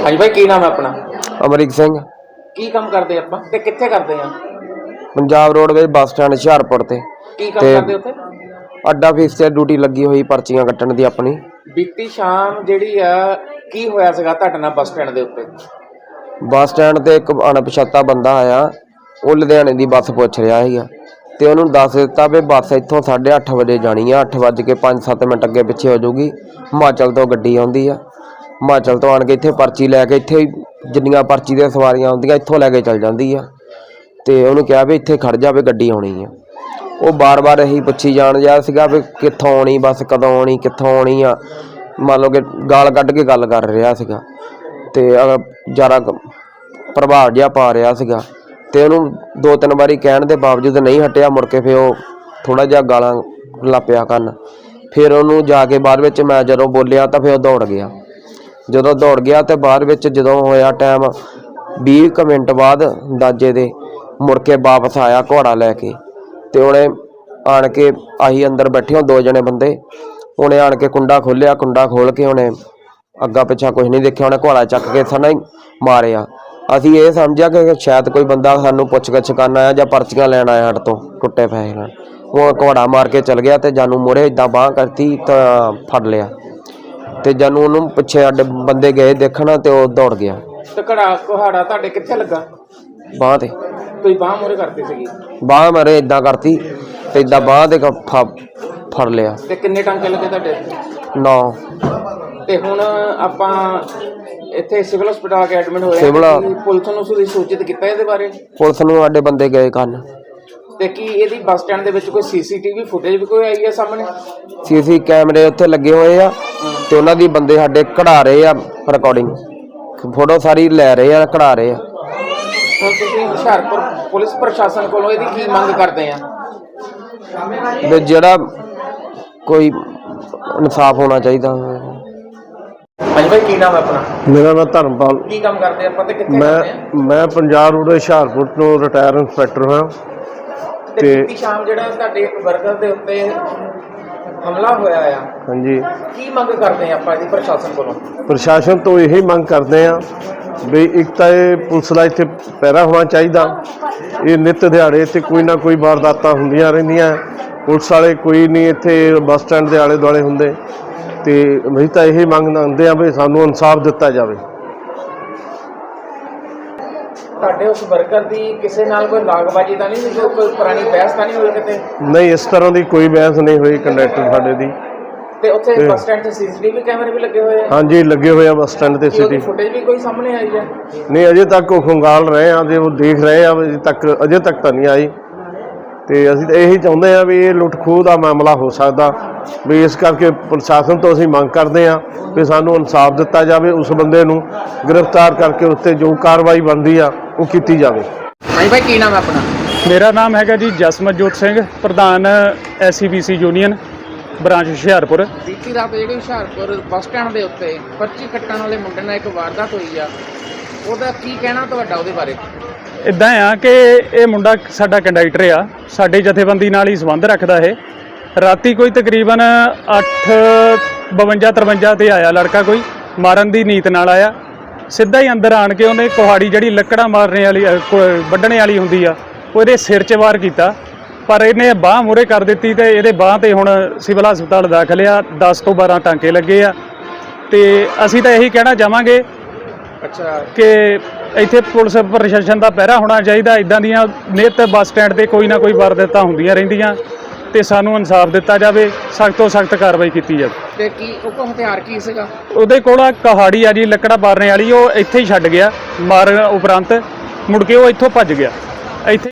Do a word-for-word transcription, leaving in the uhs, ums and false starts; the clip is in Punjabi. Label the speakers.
Speaker 1: हाँ जी भाई, की नाम है अपना?
Speaker 2: अमरीक सिंह।
Speaker 1: की काम करते ਆਪਾਂ ਤੇ ਕਿੱਥੇ ਕਰਦੇ ਆ?
Speaker 2: Punjab roadways bus stand Hoshiarpur ते
Speaker 1: ਕੀ ਕੰਮ ਕਰਦੇ ਉੱਥੇ?
Speaker 2: अड्डा फीस से ड्यूटी लगी हुई पर्चियां कट्टण दी अपनी।
Speaker 1: ਬੀਤੀ ਸ਼ਾਮ ਜਿਹੜੀ ਆ ਕੀ ਹੋਇਆ ਸੀਗਾ ਤੁਹਾਡੇ ਨਾਲ ਬੱਸ ਸਟੈਂਡ ਦੇ ਉੱਤੇ?
Speaker 2: बस स्टैंड ते एक अणपछाता बंदा आया, वो लुधियाने दी बस पुछ रहा है ते उन्होंने दस दिता भी बस इत्थों साढ़े अठ बजे जानी है, अठ बज के पाँच सत्त मिनट अगे पिछे हो जाऊगी। हिमाचल तो गड्डी आउंदी आ, हिमाचल तो आण के इत्थे पर्ची लैके इत्थे जिन्नियां पर्ची दी सवारियां आउंदियां इत्थों लैके चल जांदी आ ते उन्होंने कहा भी इत्थे खड़ जा भी गड्डी आउणी है। वो बार बार यही पुछी जाण दिया सीगा भी कित्थों आउणी बस, कदों आउणी, कित्थों आउणी आ, मान लो कि गाल कढ के गल कर रहा सीगा ते ज़्यादा प्रभाव जिहा पा रहा सीगा ते उन्होंने दो तीन बारी कहण दे बावजूद नहीं हटिया। मुड़ के फिर वो थोड़ा जिहा गालां लग पिया करन, फिर उन्होंने जाके बाद विच मैं जदों बोलिया तो फिर दौड़ गया। जदों दौड़ गया तो बाद विच जदों होया टाइम बीस क मिनट बाद अंदाजे दे मुड़ के वापस आया घोड़ा लैके ते उन्हें आण के आही अंदर बैठे हो दो जने बंदे, उन्हें आण के कुंडा खोलिया, कुंडा खोल के उन्हें अग्गा पिछा कुछ नहीं देखिया, उन्हें घोड़ा चक के सना ही मारिया। असीं ये समझिया कि शायद कोई बंदा सानू पुछ गिछ करन आया जां पर्चियां लैण आया हट तो टुटे पैसे नाल। वो घोड़ा मार के चल गया तो जानू मुहरे इदां बांह करती तो फड़ लिया ते जानू उन्होंने पिछे अड्डे बंदे गए देखना तो वो दौड़ गया।
Speaker 1: ਤੇ ਘੜਾ ਕੁਹਾੜਾ ਤੁਹਾਡੇ ਕਿੱਥੇ ਲੱਗਾ?
Speaker 2: बांह ते
Speaker 1: ਤੁਸੀਂ ਬਾਹ ਮੂਹਰੇ ਕਰਤੀ ਸੀਗੀ?
Speaker 2: बांह मेरे इदां करती ते इदां बांह ते फड़ लिया।
Speaker 1: ਤੇ ਕਿੰਨੇ ਟਾਂਕੇ ਲੱਗੇ ਤੁਹਾਡੇ?
Speaker 2: नौ।
Speaker 1: ਤੇ ਹੁਣ ਆਪਾਂ ਇੱਥੇ ਸਿਵਲ ਹਸਪਤਾਲ ਆ ਕੇ ਐਡਮਿਟ ਹੋਏ
Speaker 2: ਸਿਵਲ
Speaker 1: ਆ, ਪੁਲਿਸ ਨੂੰ ਤੁਸੀਂ ਸੂਚਿਤ ਕੀਤਾ ਇਹਦੇ ਬਾਰੇ?
Speaker 2: पुलिस नूं साडे बंदे गए करन।
Speaker 1: ਤੇ ਕੀ ਇਹਦੀ ਬੱਸ ਸਟੈਂਡ ਦੇ ਵਿੱਚ ਕੋਈ ਸੀਸੀਟੀਵੀ ਫੁਟੇਜ ਵੀ ਕੋਈ ਆਈ ਹੈ ਸਾਹਮਣੇ?
Speaker 2: सी सी कैमरे उत्थे लगे हुए आ ते उन्हां दी बंदे साडे कढ़ा रहे आ, रिकॉर्डिंग फोटो सारी लै रहे आ, कढ़ा रहे आ।
Speaker 1: ਹੁਣ ਤੁਸੀਂ ਹੁਸ਼ਿਆਰਪੁਰ ਪੁਲਿਸ ਪ੍ਰਸ਼ਾਸਨ ਕੋਲੋਂ ਇਹਦੀ ਕੀ ਮੰਗ ਕਰਦੇ ਆ?
Speaker 2: ਵੀ ਜਿਹੜਾ कोई इंसाफ होना चाहिए।
Speaker 1: ਹਾਂਜੀ ਭਾਈ, ਕੀ ਨਾਮ ਹੈ ਆਪਣਾ?
Speaker 3: मेरा नाम धर्मपाल।
Speaker 1: ਕੀ ਕੰਮ ਕਰਦੇ ਆਪਾਂ ਤੇ ਕਿੱਥੇ
Speaker 3: मैं
Speaker 1: ਕਰਦੇ ਆ?
Speaker 3: मैं पंजाब रोड हुशियारपुर ਤੋਂ ਰਿਟਾਇਰ ਇੰਸਪੈਕਟਰ ਹਾਂ
Speaker 1: ਤੇ
Speaker 3: ਤੇ
Speaker 1: ਬੀਤੀ ਸ਼ਾਮ ਜਿਹੜਾ ਤੁਹਾਡੇ ਇੱਕ ਵਰਕਰ ਦੇ ਉੱਤੇ ਹਮਲਾ ਹੋਇਆ ਆ,
Speaker 3: ਹਾਂਜੀ
Speaker 1: ਕੀ ਮੰਗ ਕਰਦੇ ਆ ਆਪਾਂ ਇਹਦੀ ਪ੍ਰਸ਼ਾਸਨ ਕੋਲੋਂ?
Speaker 3: ਪ੍ਰਸ਼ਾਸਨ ਤੋਂ ਇਹੀ ਮੰਗ ਕਰਦੇ ਆ ਵੀ ਇੱਕ ਤਾਂ ਇਹ ਪੁਲਿਸ ਦਾ ਇੱਥੇ ਪਹਿਰਾ ਹੋਣਾ ਚਾਹੀਦਾ। ਇਹ ਨਿੱਤ ਦਿਹਾੜੇ ਇੱਥੇ ਕੋਈ ਨਾ ਕੋਈ ਵਾਰਦਾਤਾਂ ਹੁੰਦੀਆਂ ਰਹਿੰਦੀਆਂ, ਪੁਲਿਸ ਵਾਲੇ ਕੋਈ ਨਹੀਂ ਇੱਥੇ ਬੱਸ ਸਟੈਂਡ ਦੇ ਆਲੇ ਦੁਆਲੇ ਹੁੰਦੇ ਤੇ ਅਸੀਂ ਤਾਂ ਇਹੀ ਮੰਗ ਮੰਗਦੇ ਆ ਵੀ ਸਾਨੂੰ ਇਨਸਾਫ ਦਿੱਤਾ ਜਾਵੇ।
Speaker 1: ਤੁਹਾਡੇ ਉਸ ਵਰਕਰ ਦੀ ਕਿਸੇ ਨਾਲ ਕੋਈ ਲਾਗਬਾਜੀ ਤਾਂ ਨਹੀਂ ਸੀ, ਕੋਈ ਪੁਰਾਣੀ ਬਹਿਸ ਤਾਂ ਨਹੀਂ ਹੋਈ ਕਿਤੇ?
Speaker 3: ਨਹੀਂ, ਇਸ ਤਰ੍ਹਾਂ ਦੀ ਕੋਈ ਬਹਿਸ ਨਹੀਂ ਹੋਈ ਕੰਡਕਟਰ ਸਾਡੇ ਦੀ।
Speaker 1: ਤੇ ਉੱਥੇ ਬੱਸ ਸਟੈਂਡ ਤੇ ਸੀਸੀਟੀਵੀ ਕੈਮਰੇ ਵੀ ਲੱਗੇ ਹੋਏ ਆ?
Speaker 3: ਹਾਂਜੀ, ਲੱਗੇ ਹੋਏ ਆ ਬੱਸ ਸਟੈਂਡ ਤੇ
Speaker 1: ਕੀ ਉਹਦੀ
Speaker 3: ਸਿਟੀ।
Speaker 1: ਫੁਟੇਜ ਵੀ ਕੋਈ ਸਾਹਮਣੇ ਆਈ ਹੈ?
Speaker 3: ਨਹੀਂ, ਅਜੇ ਤੱਕ ਉਹ ਖੰਗਾਲ ਰਹੇ ਆ, ਜੇ ਉਹ ਦੇਖ ਰਹੇ ਆ, ਅਜੇ ਤੱਕ ਅਜੇ ਤੱਕ ਤਾਂ ਨਹੀਂ ਆਈ। ਤੇ ਅਸੀਂ ਤਾਂ ਇਹੀ ਚਾਹੁੰਦੇ ਆ ਵੀ ਇਹ ਲੁੱਟ ਖੋਹ ਦਾ ਮਾਮਲਾ ਹੋ ਸਕਦਾ, ਵੀ ਇਸ ਕਰਕੇ ਪ੍ਰਸ਼ਾਸਨ ਤੋਂ ਅਸੀਂ ਮੰਗ ਕਰਦੇ ਆ ਵੀ ਸਾਨੂੰ ਇਨਸਾਫ ਦਿੱਤਾ ਜਾਵੇ, ਉਸ ਬੰਦੇ ਨੂੰ ਗ੍ਰਿਫਤਾਰ ਕਰਕੇ ਉੱਤੇ ਜੋ ਕਾਰਵਾਈ ਬਣਦੀ ਆ ਉਹ ਕੀਤੀ ਜਾਵੇ।
Speaker 1: ਹਾਂਜੀ ਭਾਈ, ਕੀ ਨਾਮ ਹੈ ਆਪਣਾ?
Speaker 4: ਮੇਰਾ ਨਾਮ ਹੈਗਾ ਜੀ ਜਸਮਤਜੋਤ ਸਿੰਘ, ਪ੍ਰਧਾਨ S C B C union branch Hoshiarpur.
Speaker 1: ਬੀਤੀ ਰਾਤ ਜਿਹੜੀ ਹੁਸ਼ਿਆਰਪੁਰ ਬੱਸ ਸਟੈਂਡ ਦੇ ਉੱਤੇ ਪਰਚੀ ਕੱਟਣ ਵਾਲੇ ਮੁੰਡੇ ਨਾਲ ਇੱਕ ਵਾਰਦਾਤ ਹੋਈ ਆ, ਉਹਦਾ ਕੀ ਕਹਿਣਾ ਤੁਹਾਡਾ ਉਹਦੇ ਬਾਰੇ?
Speaker 4: ਇੱਦਾਂ ਆ ਕਿ ਇਹ ਮੁੰਡਾ ਸਾਡਾ ਕੰਡਕਟਰ ਆ, ਸਾਡੇ ਜਥੇਬੰਦੀ ਨਾਲ ਹੀ ਸੰਬੰਧ ਰੱਖਦਾ ਇਹ। ਰਾਤੀ ਕੋਈ ਤਕਰੀਬਨ ਅੱਠ ਬਵੰਜਾ ਤਰਵੰਜਾ ਤੇ ਆਇਆ ਲੜਕਾ, ਕੋਈ ਮਾਰਨ ਦੀ ਨੀਤ ਨਾਲ ਆਇਆ। ਸਿੱਧਾ ਹੀ ਅੰਦਰ ਆਣ ਕੇ ਉਹਨੇ ਕੁਹਾੜੀ ਜਿਹੜੀ ਲੱਕੜਾਂ ਮਾਰਨੇ ਵਾਲੀ ਵੱਢਣੇ ਵਾਲੀ ਹੁੰਦੀ ਆ, ਉਹ ਇਹਦੇ ਸਿਰ 'ਚ ਵਾਰ ਕੀਤਾ, ਪਰ ਇਹਨੇ ਬਾਂਹ ਮੂਹਰੇ ਕਰ ਦਿੱਤੀ ਤੇ ਇਹਦੇ ਬਾਂਹ ਤੇ ਹੁਣ ਸਿਵਲ ਹਸਪਤਾਲ ਦਾਖਲ ਆ। ਦਸ ਤੋਂ ਬਾਰਾਂ ਟਾਂਕੇ ਲੱਗੇ ਆ ਤੇ ਅਸੀਂ ਤਾਂ ਇਹੀ ਕਹਿਣਾ ਚਾਹਾਂਗੇ
Speaker 1: ਅੱਛਾ
Speaker 4: ਕਿ ਇੱਥੇ ਪੁਲਿਸ ਪ੍ਰਸ਼ਾਸਨ ਦਾ ਪਹਿਰਾ ਹੋਣਾ ਚਾਹੀਦਾ। ਇੱਦਾਂ ਦੀਆਂ ਨਿੱਤ ਬੱਸ ਸਟੈਂਡ ਤੇ ਕੋਈ ਨਾ ਕੋਈ ਵਾਰਦਾਤਾਂ ਹੁੰਦੀਆਂ ਰਹਿੰਦੀਆਂ ਤੇ ਸਾਨੂੰ ਇਨਸਾਫ ਦਿੱਤਾ ਜਾਵੇ, ਸਖਤ ਤੋਂ ਸਖਤ ਕਾਰਵਾਈ ਕੀਤੀ ਜਾਵੇ।
Speaker 1: ਤੇ ਕੀ ਉਹ ਕੋਲ ਹਥਿਆਰ ਕੀ ਸੀਗਾ?
Speaker 4: ਉਹਦੇ ਕੋਲ ਆ ਕੁਹਾੜੀ ਆ ਜੀ, ਲੱਕੜਾਂ ਮਾਰਨੇ ਵਾਲੀ, ਉਹ ਇੱਥੇ ਹੀ ਛੱਡ ਗਿਆ ਮਾਰਨ ਉਪਰੰਤ, ਮੁੜ ਕੇ ਉਹ ਇੱਥੋਂ ਭੱਜ ਗਿਆ। ਇੱਥੇ